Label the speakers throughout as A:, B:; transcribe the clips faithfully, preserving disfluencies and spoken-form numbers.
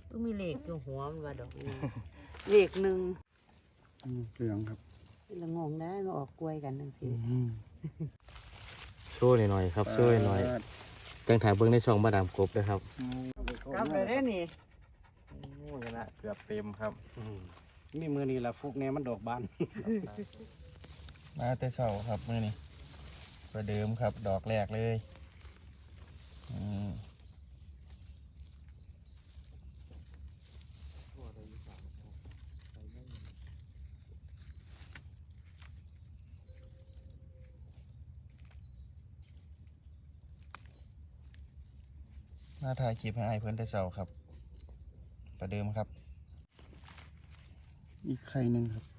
A: ก็มีเหล็กอยู่หัวมันว่าดอกนี้เหล็กหนึ่ง
B: เหลืองครับ
A: ละงงได้มาออกกล้วยกันนั่นสิ
C: ช่วยหน่อยครับช่วยหน่อยจังถ่ายเบิ้งในช่องมาดามกบเลยครับ
A: กลับเลยได้นี่
C: โอ้ยนะเกือบเต็มครับ
B: มีมือนี้ละฟุกเนี่ยมันดอกบานมาแต่เสาครับมือนี้ประเดิมครับดอกแรกเลยมาถ่ายคลิปให้ไอ้เพื่อนแต่เสาครับประเดิมครับอีกไข่หนึ่งครับ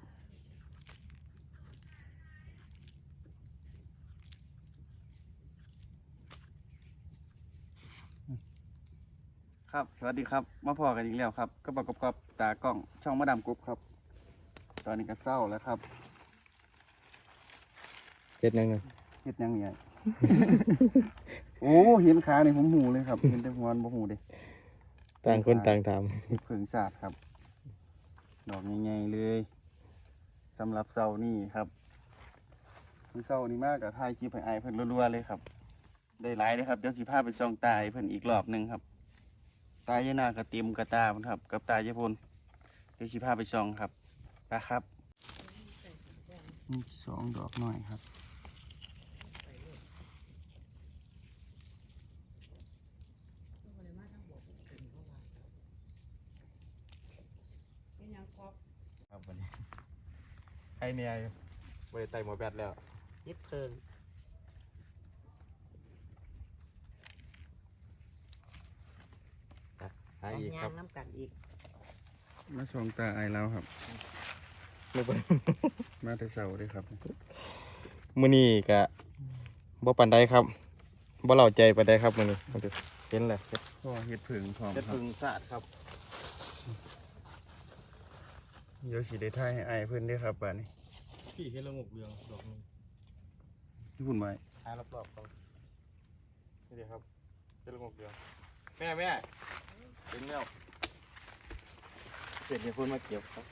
B: ครับสวัสดีครับมาพอกันอีกแล้วครับก็ประกอบกับตากล้องช่องมาดามกรุ๊ปครับตอนนี้ก็เศร้าแล้วครับ
C: เฮ็ดยังไง
B: เฮ็ดยังไง โอ้เห็นขาเนี่ยผมหูเลยครับเห็นแต่หัวบ่หูเด้
C: ต่างคนต่างท
B: ำเพิ่งศาสตร์ครับดอกใหญ่ๆเลยสำหรับเสานี่ครับเสานี่มากกับถ่ายคลิปให้ไอ้เพิ่นรัวๆเลยครับได้หลายเลยครับเดี๋ยวสิพาไปส่องตาเพิ่นอีกรอบหนึ่งครับตายายนากระเตรียมกระตาเพิ่นครับกับตายายพลเดี๋ยวสิพาไปส่องครับไปครับสองดอกหน่อยครับ
C: ครับวันนี้ใครเนี่ยบริไตหมอแบตแล้ว
A: ยิบเพิง
C: หาอีกครับ
A: น้ำกันอีก
B: มาส่องตาไอแล้วครับมาแต่เสาด้วยครับ
C: มื้อนี้กะบ่ปานใดครับบ่เล่าใจปานใดครับมื้อนี้มาดูเห็นเลย
B: พ่อเห็ดผึ่งพร้อม
C: เห็ดผึ่งสะอาดครับ
B: เดี๋ยวสีได้ถ่ายให้ไอเพื่อนด้วยครับบ้านนี้
C: พี่เห็ดละงกเรืองดอกนึง
B: ที่หุ่นไว้
C: ถ่ายรอบๆครับนี่ดีครับเห็ดละงกเรืองแม่แม่ถึงแล้วเสร็จเนี่ยคนมาเก็บครับ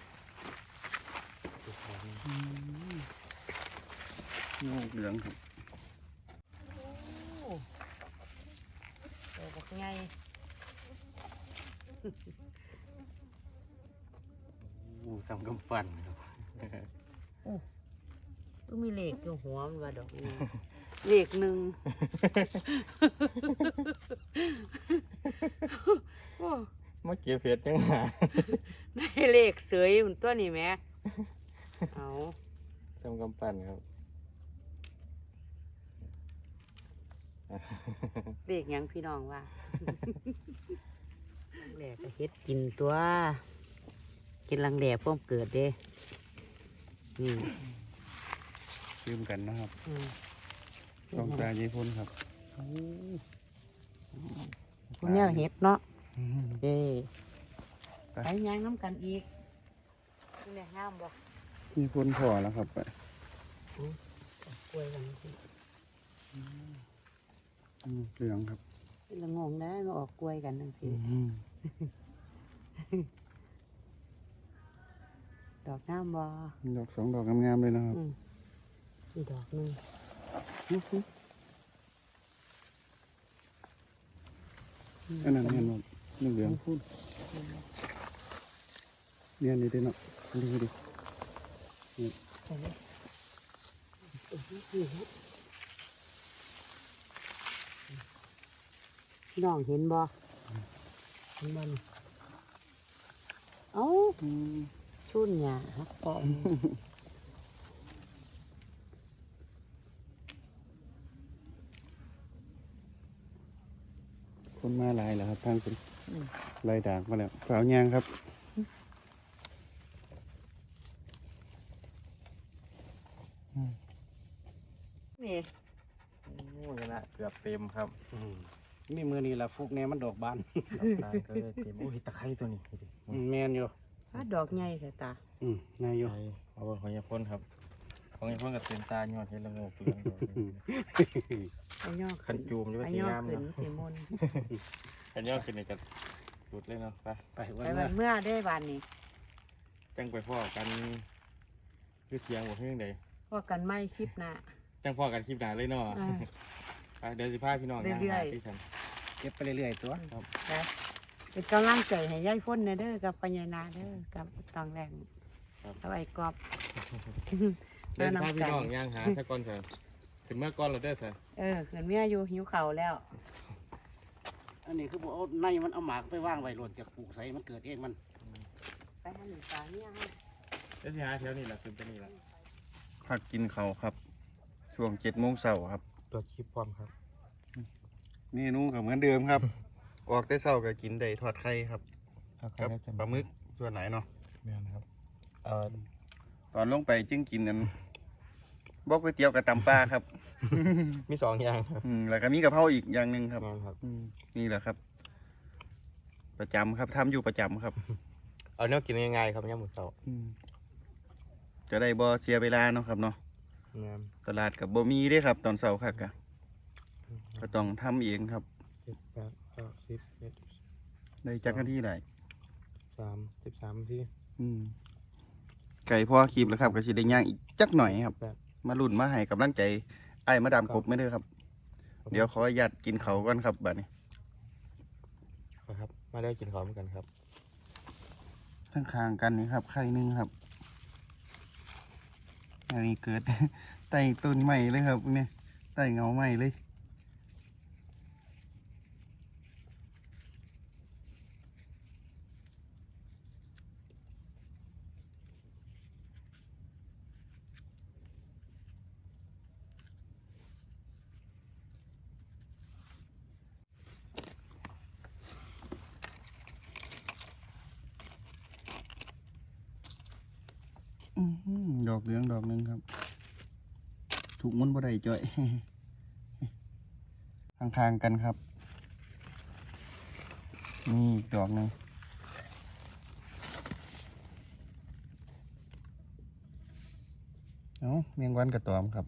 B: งกเหลืองครับ
A: โอ้โหบอกไง
C: โอ้สำกำปั้นครับ
A: โอ้ก็มีเหล็กอยู่หัวมันว่าดอกนี้เหล็กหนึ่ง
C: มาเก็บเห็ดยังหา
A: ได้เหล็กเสยหุ่นตัวนี้แม่เอา
C: สำกำปั้นครับ
A: เด็กยังพี่น้องว่าลังแหล่ก็เฮ็ดกินตัวกินลังแหล่พวกเกิดเด้นี่
B: ยืมกันนะครับสองตาเยี่พ้นครับ
A: พวกนี้เฮ็ดเนาะเด้ไปย่างน้ำกันอีกนี่แหละงามบ่
B: ยี่พ้นพอแล้วครับไป
A: กล้วยกัน
B: เหลืองครับ
A: ละงงได้มาออกกล้วยกันนั่นสิดอกงามบ่
B: ดอกสองดอกงามๆเลยนะครับ
A: อีกดอกนึง
B: อันนั้นเห็นหมดเหลืองพูดเนี่ยนี่ดิเนาะดูดิ
A: พี่น้องเห็นบ่เห็นบ่เอ้าชุ่นหยาครับปอม
B: คนมาลายแล้วครับทางเป็นลายด่างมาแล้วสาวยางครับ
A: นี่
C: โอ้ยนะเกือบเต็มครับ
B: มีมือนี้ละฟุกเนี่ยมันดอกบาน
C: ตาก็เลยเต็มโอ้ยตะไคร้ตัวนี้
B: แมนอยู่
A: ดอกใหญ่แต่ตา
B: อืมนายอยู่
C: เอาของยาพ่นครับของยาพ่นกับเต็มตายอดเห็ดละงกเรือง
A: อันยอ
C: ขันจูมจะเป็นสีงาม
A: เนาะสีมน
C: อันยอขึ้นนี่กับหลุดเลยเนาะไป
D: ไป
A: ไป
D: วัน
A: วั
D: เมื่อน
A: เมื่อได้บานนี้
C: จังไปพ่อกันคือเทียงบอกเรื่องใด
A: พวกกันไม่คลิปหนะ
C: จังพ่อกันคลิปหนาเลยเนาะ
A: อ่า
C: ไปเดี๋ยวสิพาพี่น้องย่าง
A: เรื่อ
C: หาย ที่ฉัน
D: เก็บไปเรื่อยๆตัว
A: นะเป็นกำลังใจให้ยายพ้นนะเด้อกับปัญญานาเด้อกับตองแรงกับไอ้กอบ
C: เดี๋ยวสิพาพี่น้องย่างหาสักก้อนเถอะถึงเมื่อก้อนเราได้สิ
A: เออเกิดเมียอยู่หิวเข่าวแล้ว
D: อันนี้คือบอกเอาในมันเอาหมากไปว่างไว้หล่นจากปลูกใส่มันเกิดเองมัน
A: ไปหาหนึ่งตาเนี่ยให้
C: เดี๋ยวสิหาแถวนี้แหละขึ้นไปนี่แหละ
B: พักกินเขาวครับ ช่วงเจ็ดโมงเช้าครับ
C: ตัวคลิปพร้อมครับ
B: เมนูก็เหมือนเดิมครับ ออกแต่เช้าก็กินได้ทอดไข่ครับกับปลาหมึกส่วนไหนเนาะ
C: แม่นครับเอ่อ
B: ตอนลงไปจึงกินนั้นบอกก๋วยเตี๋ยวกับตำปลาครับ
C: มีสองอย่างครับ
B: อืมแล้วก็มีกะเพราอีกอย่างหนึ่งครับ
C: แม่นครับ
B: อืมนี่แหละครับ ประจำครับทำอยู่ประจำครับ
C: เอาเนื้อกินง่ายๆครับย่างหมูเสา
B: อืมจะได้บ่เสียเวลาเนาะครับเนาะ
C: แม่น
B: ตลาดกับบ่มีเด้ครับ ตอนเช้าคักกะก็ต้องทำเองครับ
C: เจ็ดแปดเก้าสิบเอ็ด
B: ได้จักนาทีได้
C: สามสิบสามนาที
B: อืมไก่พ่อคลิปแล้วครับก็สิได้ย่างอีกจักหน่อยครับ
C: แปด
B: มาลุ่นมาให้กำลังใจไอ้มาดามกบไม่เด้อครับ เดี๋ยวขออนุญาตกินเขาวก่อนครับบัดนี้
C: ครับ มาได้กินข้าวเหมือนกันครับ
B: ข้างๆกันนี่ครับไข่หนึงครับอันนี้เกิด ใต้ต้นไม้เลยครับเนี่ยใต้เงาไม้เลย อื้อหือดอกเหลืองดอกหนึ่งครับ ถูกมันบ่ได้จ่อย ข้างๆกันครับ นี่อีกดอกหนึ่งเอ้าเมียงวันกระตอมครับ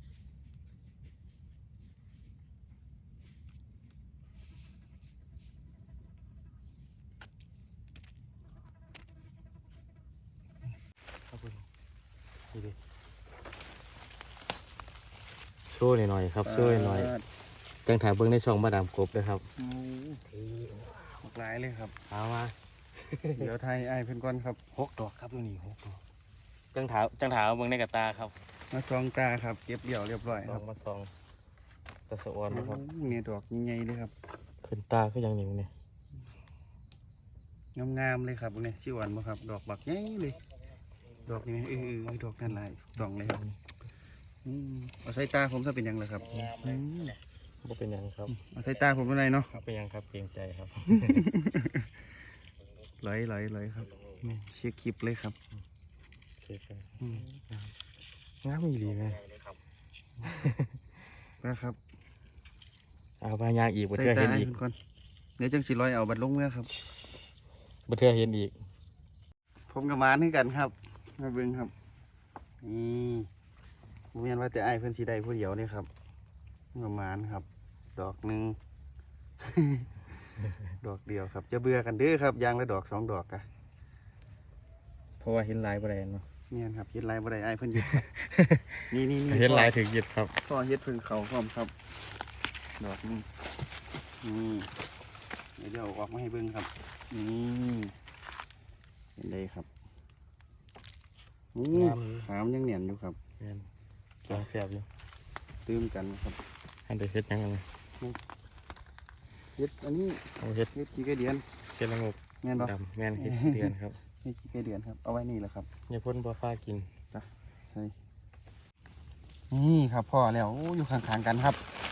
C: ครับคุณดูดิช่วยหน่อยๆครับช่วยหน่อยจังถ่ายเบิ้งในช่องมาดามกบเลยครับ
B: โอ้ทีหกหลายเลยครับ
C: เอามา
B: เดี๋ยวไทยไอ้ายเพื่อนก่อนครับ
C: หกดอกครับดูนี่หกดอกจังถาจังถาเบิ้งในกระตาครับ
B: มาซองตาครับ เก็บเดี่ยวเรียบร้อย
C: ส
B: ค
C: อ
B: รั
C: ง
B: บ
C: มาสองตะสะออนนะครับ
B: โอ้เนี่ยดอกใหญ่ๆเลยครับ
C: ขึ้นตาก็ยังหนิวเนี่ย
B: งามๆเลยครับเนี่ยชิวันบ่ครับ ดอกบักใหญ่เลย ดอกนี้เออเออดอกนั่นหลายดอกเลยครับอืมเอาใส่ตาผมถ้าเป็นหยังเลยครับอืม
C: ก็เป็นหยังครับ
B: เอาใส่ตาผมเป็นไรเนาะ
C: ครับเป็นหยังครับเกรงใจครับ
B: ไหลไหลไหลครับนี่เช็คคลิปเลยครับ
C: เช็คกัน
B: อืม
C: งามอีหลีไหม
B: นะครับ
C: เอาไปยางอีกบั
B: ใส่
C: เทือ
B: ตา
C: เห็น
B: ให้
C: อีก
B: เพิ่นก่อนเดี๋ยวจังสิร้อยเอาบัตรลงเมื่อครับ
C: บัเทือเห็นอีก
B: ผมกับหมานให้กันครับมาเบิ่งครับนี่ผมเรียนว่าแต่ไอ้ายเพิ่นสีได้ผู้เดียวนี่ครับผมกับหมานครับ ดอกหนึ่ง ดอกเดียวครับ จะเบื่อกันเด้อครับยางละดอกสองดอกอะ
C: เพราะว่าเห็นลายบ่ได้เนาะ
B: เนี่ยครับเฮ็ดไรบ่ได้ไอ้ายเพิ่นหยุด ครับ นี่นี่นี่
C: เห็นลายถึงหยุดครับ
B: พ่อเฮ็ดเพิ่งเขาพร้อมครับ ดอกนี้นี่เดี๋ยวเดี๋ยวเอาออกมาให้เบิ่งครับนี่เห็นได้ครับอู้
C: งามอยู่
B: ขามยังเหนียนอยู่ครับ
C: แม่นกำลังแซ่บอยู่
B: ตื้มกันครับ
C: อันเดเฮ็ดยังไง
B: เฮ็ดอันนี้
C: เอาเฮ็ด
B: เฮ็ดกี่กระเดือน
C: เฮ็ดละงก
B: แม่นบ่
C: ดำแม่นเฮ็ดเดือนครับ
B: เฮ็ดกี่กระเดือนครับเอาไว้นี่แหละครับ
C: อย่าพ่นบ่ฟ้ากิน
B: ใช่นี่ครับพ่อแล้วโอ้อยู่ข้างๆกันครับ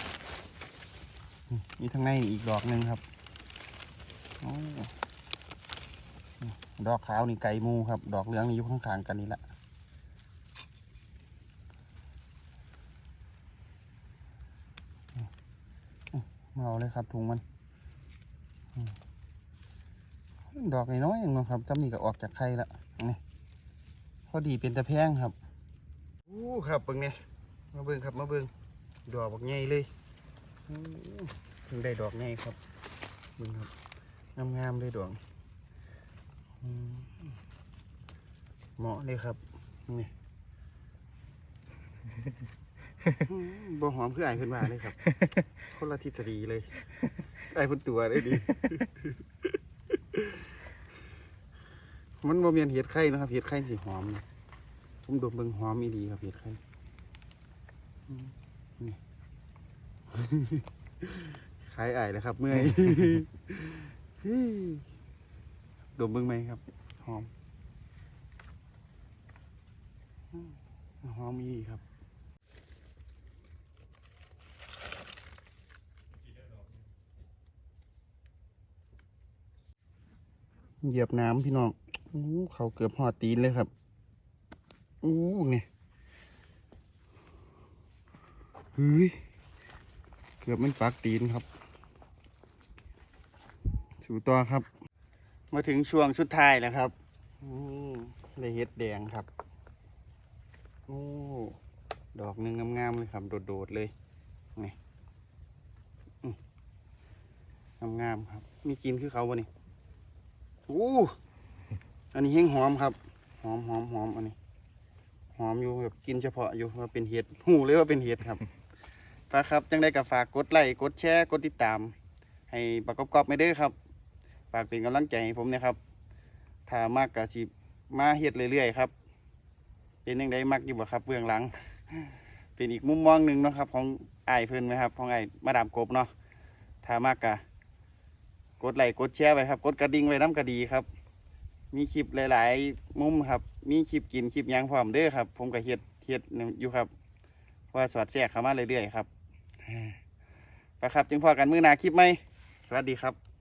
B: นี่ทางในนี่อีกดอกหนึ่งครับโอ้ดอกขาวนี่ไก่มูครับ ดอกเหลืองนี่อยู่ข้างๆกันนี่แหละมาเอาเลยครับถุงมันอืมดอกน้อยๆเองเนาะครับจำนี่ก็ออกจากไข่ละนี่พอดีเป็นตะแพงครับอู้ครับเบิ่งเนี่ยมาเบิ่งครับมาเบิ่งดอกบักใหญ่เลยอู้เพิ่งได้ดอกใหญ่ครับเบิ่งครับงามๆเลยดอกอืมเหมาะเลยครับนี่ อืมบ่หอมคือไอ้ายเพิ่นว่าเลยครับ คนละทฤษฎีเลยไอ้ายเพิ่นตัวได้ดี มันบ่แม่นเห็ดไข่นะครับเห็ดไข่สิหอมนะผมดมเบิ่งหอมอีหลีครับเห็ดไข่อืมนี่ ขายอ้ายแล้วครับ เมื่อย ดมเบิ่งไหมครับหอมอืมหอมอีหลีครับ เหยียบน้ำพี่น้องอู้เขาเกือบหอดตีนเลยครับอู้ไงเฮ้ยเกือบมันปักตีนครับสู่ต่อครับ มาถึงช่วงสุดท้ายแล้วครับอืมได้เห็ดแดงครับโอ้ดอกหนึ่งงามๆเลยครับโดดๆเลยไงอืมงามๆครับมีกินคือเขาบ่นี่อู้อันนี้แห้งหอมครับหอมหอมหอมอันนี้หอมอยู่แบบกินเฉพาะอยู่ว่าเป็นเห็ดหูเลยว่าเป็นเห็ดครับฝากครับจังได้กับฝากกดไลค์กดแชร์กดติดตาม ให้ประกอบกอบไม่ได้อครับฝากเป็นกำลังใจให้ผมนะครับถ้ามากกะสิมาเห็ดเรื่อยๆครับเป็นยังไงมักอยู่บ่ครับเบื้องหลัง เป็นอีกมุมมองหนึ่งเนาะครับของไอ้ายเพิ่นไหมครับของไอ้มาดามกบเนาะถ้ามากกะกดไลค์กดแชร์ไว้ครับกดกระดิ่งไว้น้ำกระดีครับมีคลิปหลายๆมุมครับมีคลิปกินคลิปหยังพร้อมเด้อครับผมก็เฮ็ดเฮ็ดอยู่ครับว่าสอดแทรกเข้ามาเรื่อยๆครับไปครับจึงพอกันมื้อหน้าคลิปไหมสวัสดีครับ